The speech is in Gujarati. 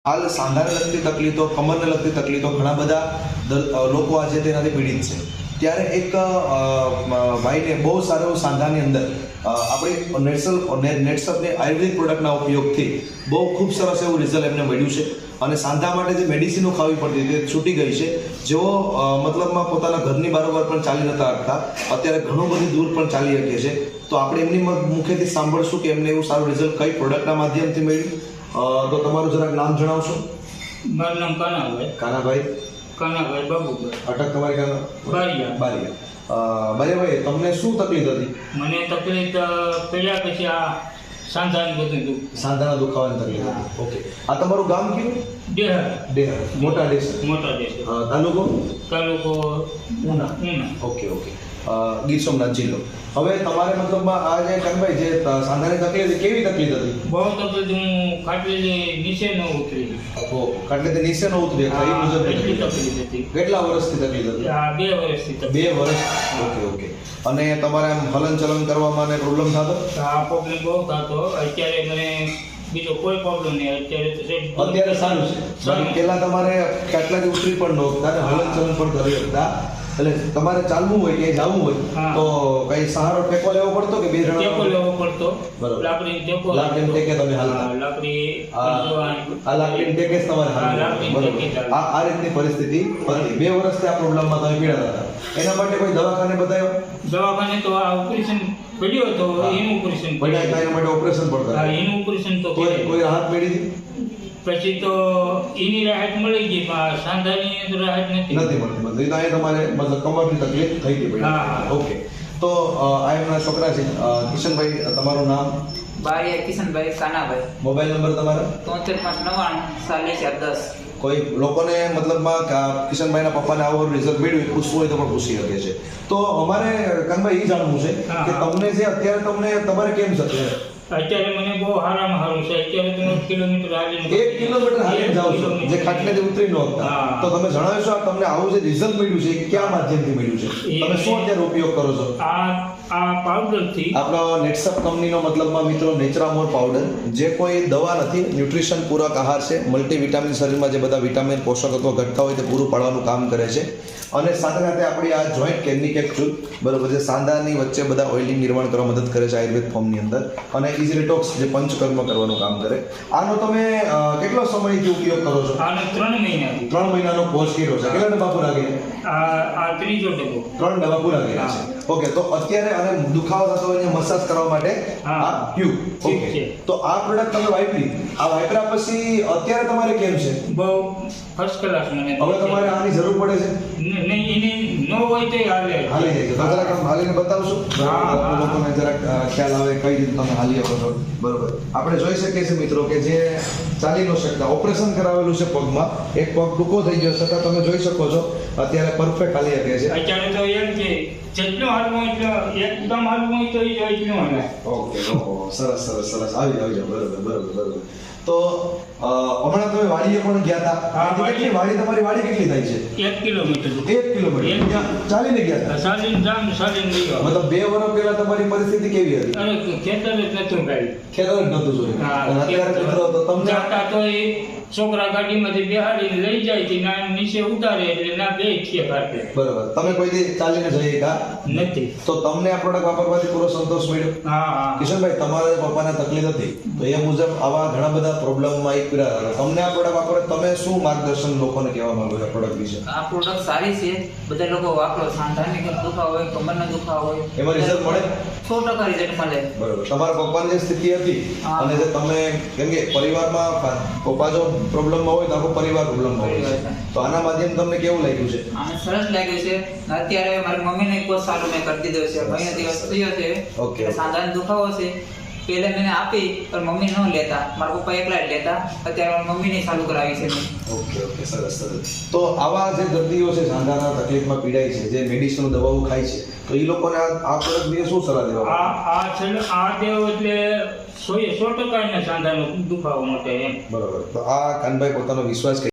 હાલ સાંધાને લગતી તકલીફો, કમરને લગતી તકલીફો ઘણા બધા લોકો આજે તેનાથી પીડિત છે. ત્યારે એક ભાઈને બહુ સારો એવું સાંધાની અંદર આપણી નેટસપની આયુર્વેદિક પ્રોડક્ટના ઉપયોગથી બહુ ખૂબ સરસ એવું રિઝલ્ટ એમને મળ્યું છે. અને સાંધા માટે જે મેડિસિનો ખાવી પડતી તે છૂટી ગઈ છે. જેઓ મતલબમાં પોતાના ઘરની બારોબાર પણ ચાલી નતા શકતા, અત્યારે ઘણું બધું દૂર પણ ચાલી શકે છે. તો આપણે એમની મુખેથી સાંભળશું કે એમને એવું સારું રિઝલ્ટ કઈ પ્રોડક્ટના માધ્યમથી મળ્યું. તો તમારું જરાક નામ જણાવશો? મારું નામ કાનાભાઈ. કાનાભાઈ બાબુભાઈ. અટક તમારી બારિયા. બારિયાભાઈ, તમને શું તકલીફ હતી? મને તકલીફ પહેલા પછી આ સાંધાની બધું દુઃખ. સાંધાના દુખાવાની તકલીફ હતી. ઓકે, આ તમારું ગામ કયું? ડેહર. મોટા દેશ. તાલુકો ઉના. ઓકે. ગીર સોમનાથ જિલ્લો. હવે તમારે મતલબમાં આ જે કાનભાઈ જે સાંધાની તકલીફ કેવી તકલીફ હતી? બહુ તકલીફ. હું ખાટલી નીચે ન ઉતરી. ખાટલી નીચે ન ઉતરી એટલી તકલીફ હતી. કેટલા વર્ષથી તકલીફ હતી? 2 વર્ષથી. 2 વર્ષ. ઓકે. અને તમારે આમ હલન ચલન કરવામાં પ્રોબ્લેમ થતો? આ પ્રોબ્લેમ બહુ થતો. અત્યારે મને બીજો કોઈ પ્રોબ્લેમ નહીં. અત્યારે સારું છે. પહેલા તમારે ખાટલાથી ઉતરી પણ નહોતા અને હલન ચલન પણ કરી શકતા. એટલે તમારે ચાલવું હોય કે જવું હોય તો કઈ સહારો ટેકો લેવો પડતો કે 2 જણા ટેકો લેવો પડતો? બરાબર. લાકડી ટેકે તમે હાલતા? લાકડી ટેકે જ તમારે હાલતા. બરાબર. આ રીતની પરિસ્થિતિ હતી. 2 વર્ષથી આ પ્રોબ્લેમમાં તમે પીડાતા હતા. એના માટે કોઈ દવાખાને બતાવ્યો? દવાખાને તો આ ઓપરેશન પડ્યો તો એનું ઓપરેશન પડ્યા. એના માટે ઓપરેશન પણ કરાયું? એનું ઓપરેશન તો કોઈ રાહત મળી હતી? પછી તો એની રાહત મળી ગઈ, પણ સાંધાની રાહત નથી મળતી. તો અહીંયા તમારે મતલબ કમરની તકલીફ થઈ ગઈ. ઓકે. તો આ એમના છોકરા છે કિશનભાઈ. તમારું નામ? બારિયા કિશનભાઈ કાનાભાઈ. મોબાઈલ નંબર તમારો? 73 કોઈ લોકોને મતલબમાં કિશનભાઈના પપ્પાને આવું રિઝલ્ટ મળ્યું પૂછવું હોય તો પણ પૂછી શકે છે. તો અમારે કાનભાઈ એ જાણવું છે કે તમને જે અત્યારે તમારે કેમ છે? અત્યારે મને બહુ સારામાં સારું છે. અત્યારે તમે 1 કિલોમીટર હાલીને 1 કિલોમીટર હાલીને જાવ છો, જે ખાટલેથી ઉતરી ન શકતા. તો તમે જણાવશો તમને આવું જે રિઝલ્ટ મળ્યું છે કયા માધ્યમથી મળ્યું છે? તમે શું અત્યારે ઉપયોગ કરો છો? આ પાવડરથી. આપણો નેટસપ કંપનીનો મતલબમાં મિત્રો નેચરામોર પાવડર, જે કોઈ દવા નથી, ન્યુટ્રિશન પૂરક આહાર છે. મલ્ટીવિટામિન શરીરમાં જે બધા વિટામિન પોષક તત્વો ઘટતા હોય તે પૂરું પાડવાનું કામ કરે છે. અને સાથે સાથે આપણી આ જોઈન્ટ કેરની કેપ્સ્યુલ, બરોબર, જે સાંધાની વચ્ચે બધા ઓઇલિંગ નિર્માણ કરવા મદદ કરે છે આયુર્વેદ ફોર્મની અંદર. અને ઇઝી ડિટોક્સ જે પંચકર્મ કરવાનું કામ કરે. આનો તમે કેટલો સમયથી ઉપયોગ કરો છો? આનો 3 મહિનાથી. 3 મહિનાનો કોર્સ કર્યો છે. કેટલા ડબ્બા પૂરા કર્યા? આ ત્રીજો ડબ્બો. 3 ડબ્બા પૂરા કર્યા છે. ઓકે. તો અત્યારે અને દુખાવો થતો હોય મસાજ કરવા માટે આ ટ્યુબ. ઓકે. તો આ પ્રોડક્ટ તમે વાપરી, આ વાપર્યા પછી અત્યારે તમારે કેમ છે? બહુ ફર્સ્ટ ક્લાસ. મને હવે તમારે આની જરૂર પડે છે? નહીં, એની ન હોય તો હાલી જાય. તો જરાક આમ હાલીને બતાવશો? લોકોને જરાક ખ્યાલ આવે કઈ રીતે તમે હાલી શકો છો. બરોબર. આપણે જોઈ શકીએ છીએ મિત્રો કે જે ચાલી ન શકતા, ઓપરેશન કરાવેલું છે પગમાં, એક પગ ટૂંકો થઈ ગયો છતાં તમે જોઈ શકો છો અત્યારે પરફેક્ટ હાલી શકે છે. અત્યારે તો એમ કે જેટલો હાલવું એટલો એકદમ હાલવું હોય તો એટલું હાલે. ઓકે. સરસ. આવી જાવ. બરોબર. તો હમણાં તમે વાડીએ પણ ગયા હતા. કેટલી વાડી તમારી વાડી કેટલી થાય છે? 1 કિલોમીટર. 1 કિલોમીટર ચાલીને ગયા હતા? ચાલીને ગયો. મતલબ 2 વર્ષ પહેલા તમારી પરિસ્થિતિ કેવી હતી? અરે ખેતર જ નતું ગાડી. ખેતર જ નતું જોયું. અત્યારે મિત્રો તો તમને જાતા તો એ છોકરા ગાડીમાંથી બેહાડીને લઈ જાય છે, ના નીચે ઉતારે એટલે ના બે છીએ કાઢે. બરાબર. તમે કોઈ દી ચાલીને જઈએ કા? નથી. તો તમને આ પ્રોડક્ટ વાપરવાથી પૂરો સંતોષ મળ્યો? હા. કિશનભાઈ, તમારા પપ્પાને તકલીફ હતી તો એ મુજબ આવા ઘણા બધા પ્રોબ્લેમમાં એક પીડા હતા. તમને આ પ્રોડક્ટ વાપરે તમે શું માર્ગદર્શન લોકોને કહેવા માંગો છો આ પ્રોડક્ટ વિશે? આ પ્રોડક્ટ સારી છે. બધા લોકો વાપરો. સાંધાની દુખાવો હોય, કમરનો દુખાવો હોય, એમાં રિઝલ્ટ મળે? 100% રિઝલ્ટ મળે. બરાબર. તમારા પપ્પાની જે સ્થિતિ હતી અને જે તમે, કેમ કે પરિવારમાં પપ્પા જો પ્રોબ્લેમમાં હોય તો આખો પરિવાર પ્રોબ્લેમમાં હોય છે, તો આના માધ્યમ તમને કેવું લાગ્યું છે? આને સરસ લાગ્યું છે. અત્યારે મારી મમ્મીને કોર્સ ચાલુ મેં કરી દીધો છે. મહિનો દિવસ થયો છે. ઓકે. સાંધાનો દુખાવો છે. પહેલા મેં આપી પણ મમ્મી ન લેતા, મારા પપ્પા એકલા જ લેતા. અત્યારે મમ્મીને ચાલુ કરાવી છે મેં. ઓકે. સરસ. તો આવા જે દર્દીઓ છે સાંધાના તકલીફમાં પીડાય છે, જે મેડિસિન દવાઓ ખાય છે, તો એ લોકોને આ પ્રોડક્ટ વિશે શું સલાહ દેવા? આ દેવ એટલે 100% સાંધાનો દુખાવો માટે એમ. બરાબર. તો આ કાનભાઈ પોતાનો વિશ્વાસ